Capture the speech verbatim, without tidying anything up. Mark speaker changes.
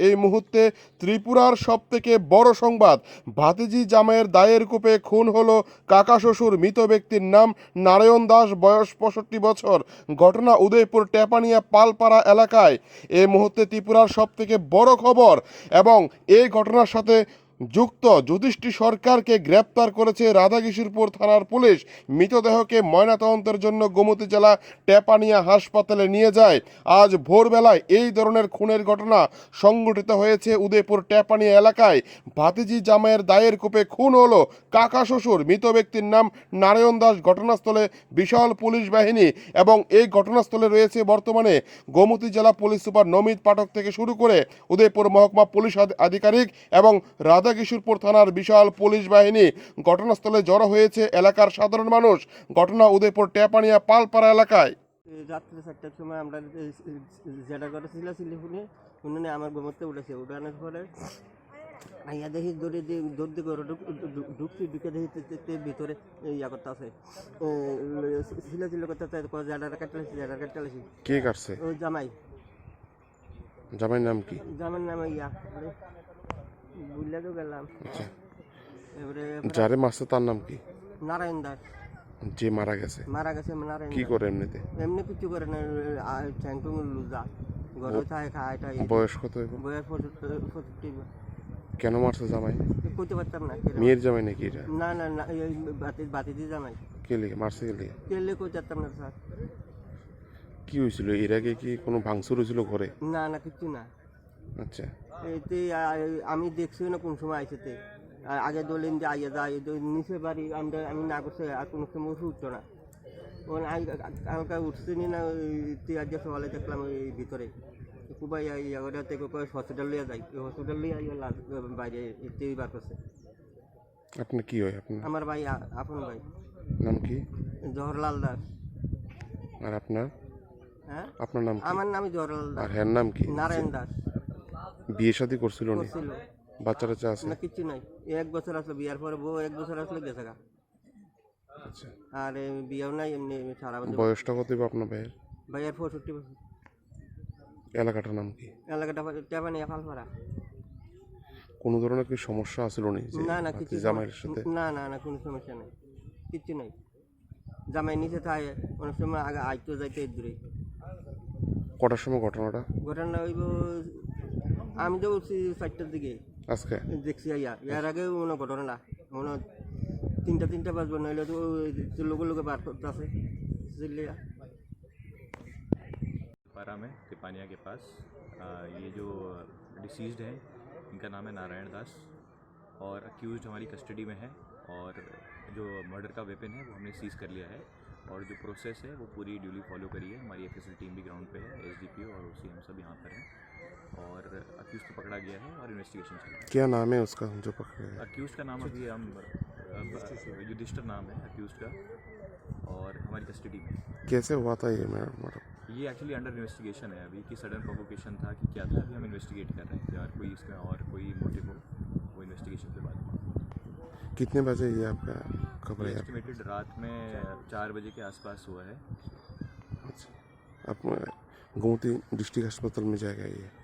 Speaker 1: এই মুহূর্তে ত্রিপুরার সবথেকে বড় সংবাদ, ভাতিজি জামাইয়ের দায়ের কূপে খুন হলো কাকা শ্বশুর। মৃত ব্যক্তির নাম নারায়ণ দাস, বয়স পঁয়ষট্টি বছর। ঘটনা উদয়পুর টেপানিয়া পালপাড়া এলাকায়। এই মুহূর্তে ত্রিপুরার সবথেকে বড় খবর এবং এই ঘটনার সাথে যুক্ত যুধিষ্ঠি সরকারকে গ্রেপ্তার করেছে রাধাকিশোরপুর থানার পুলিশ। মৃতদেহকে ময়নাতদন্তের জন্য গোমতী জেলা টেপানিয়া হাসপাতালে নিয়ে যায়। আজ ভোরবেলায় এই ধরনের খুনের ঘটনা সংঘটিত হয়েছে উদয়পুর টেপানিয়া এলাকায়। ভাতিজি জামাইয়ের দায়ের কূপে খুন হলো কাকা শ্বশুর। মৃত ব্যক্তির নাম নারায়ণ দাস। ঘটনাস্থলে বিশাল পুলিশ বাহিনী এবং এই ঘটনাস্থলে রয়েছে বর্তমানে গোমতী জেলা পুলিশ সুপার নমিত পাঠক থেকে শুরু করে উদয়পুর মহকুমা পুলিশ আধিকারিক এবং রাধা কিশোরপুর থানার বিশাল পুলিশ বাহিনী। ঘটনাস্থলে জড়ো হয়েছে এলাকার সাধারণ মানুষ। ঘটনা উদয়পুর টেপানিয়া পালপাড়া এলাকায়।
Speaker 2: রাত্রে চারটার সময় আমরা যেটা করে ছিল সিলিফোনে উনি আমার গোমতে উঠেছে। উঠানোর পরে আইয়া দেখি দৌড়ে দিয়ে দৌড় দিয়ে ঘরে ঢুকছি, ঢুকে দেখি ভিতরে ইয়া করতে আছে, ছিল ছিল করতে জাডার কাটতেছি জাডার কাটতেছি।
Speaker 1: কে কাটছে?
Speaker 2: ওই জামাই।
Speaker 1: জামাইয়ের নাম কি?
Speaker 2: জামাইয়ের নাম ইয়া বুঝলে তো গেলাম। এবারে
Speaker 1: যারে মারছে তার নাম কি?
Speaker 2: নারায়ণ দাস।
Speaker 1: যে মারা গেছে
Speaker 2: মারা গেছে নারায়ণ।
Speaker 1: কি করে এমনিতে?
Speaker 2: এমনি কিছু করে না, চ্যাংটুং লুজা ঘরে থাকে খায় টায়।
Speaker 1: বয়স কত?
Speaker 2: বয়স পঁয়ষট্টি।
Speaker 1: কেন মারছে জামাই?
Speaker 2: কইতে পারতাম না।
Speaker 1: মেয়ের জামাই নাকি এটা?
Speaker 2: না না না, এই বাতি বাতি দিয়ে জামাই।
Speaker 1: কে লিখে মারছে? কে লিখে?
Speaker 2: কেলে কইতে পারতাম না স্যার।
Speaker 1: কি হয়েছিল এর আগে? কি কোনো ভাঙচুর হয়েছিল ঘরে?
Speaker 2: না না কিছু না।
Speaker 1: আচ্ছা,
Speaker 2: এতে আমি দেখছি না কোন সময় আইসেতে। আগে দলিন যে আইয়া যায় নিচে বাড়ি আমরা আমি না করছে আর কোনো সময় উঠতো না। কালকা উঠছে নি না, আজ সকালে দেখলাম ওই ভিতরে কুবাই ইয়া থেকে হসপিটাল লিয়ে যাই, হসপিটাল লিয়ে বাইরে এতেই বার করছে।
Speaker 1: আপনার কি হয়? আপনার
Speaker 2: আমার ভাই, আপন ভাই।
Speaker 1: নাম কি?
Speaker 2: জওহরলাল দাস।
Speaker 1: আর আপনার?
Speaker 2: হ্যাঁ,
Speaker 1: আপনার নাম?
Speaker 2: আমার নাম জওহরলাল দাস।
Speaker 1: আর হ্যার নাম কি?
Speaker 2: নারায়ণ দাস।
Speaker 1: বিয়ে শাদী করছিল না?
Speaker 2: করছিল।
Speaker 1: বাচ্চা টাচ্চা আছে?
Speaker 2: না কিছু নাই। এক বছর আসলো বিয়ার পরে, বউ এক বছর আসলে গেছে গা।
Speaker 1: আচ্ছা,
Speaker 2: আর বিয়েও নাই, এমনি সারা বছর।
Speaker 1: বয়সটা কত হবে আপনার ভাইয়ের?
Speaker 2: ভাইয়ের পঁয়ষট্টি বছর।
Speaker 1: এলাকাটার নাম কি?
Speaker 2: এলাকাটা টেপানিয়া পালপাড়া।
Speaker 1: কোনো ধরনের কি সমস্যা আছিল নি
Speaker 2: না না কিছু
Speaker 1: জামাইয়ের সাথে?
Speaker 2: না না না কোনো সমস্যা নেই, কিচ্ছু নাই। জামাই নিচে থাকে, অনেক সময় আগে আইতো যাইতে দূরে।
Speaker 1: কটার সময় ঘটনাটা?
Speaker 2: ঘটনা হইব আমি তো বলছি চারটার দিকে
Speaker 1: আজকে
Speaker 2: দেখছি আইয়া। এর আগে মনে ঘটনা না, মনে তিনটা তিনটা বাজবো, নইলে তো লোকে লোকে বার করতে আছে।
Speaker 3: पारा में टिपानिया के पास आ, ये जो डिसीज्ड है इनका नाम है नारायण दास और अक्यूज़्ड हमारी कस्टडी में है और जो मर्डर का वेपन है वो हमने सीज़ कर लिया है और जो प्रोसेस है वो पूरी ड्यूली फॉलो करी है। हमारी एफएसएल टीम भी ग्राउंड पे है, एसडीपीओ और ओसी हम सब यहाँ पर हैं और अक्यूज़ को पकड़ा गया है और इन्वेस्टिगेशन चल रही है।
Speaker 1: क्या नाम है उसका जो पकड़े गए?
Speaker 3: अक्यूज़ का नाम अभी हम युधिष्ठिर नाम है अक्यूज़ का और हमारी कस्टडी में।
Speaker 1: कैसे हुआ था ये मैडम?
Speaker 3: ये एक्चुअली अंडर इन्वेस्टिगेशन है अभी कि सडन प्रोवोकेशन था कि क्या था, अभी हम इन्वेस्टिगेट कर रहे हैं कि और कोई इसमें और कोई मोटिव हो, वो इन्वेस्टिगेशन के बाद।
Speaker 1: कितने बजे ये आपका खबर है?
Speaker 3: एस्टिमेटेड रात में चार बजे के आसपास हुआ है।
Speaker 1: अच्छा, आप गोमती डिस्ट्रिक्ट अस्पताल में जाएगा ये?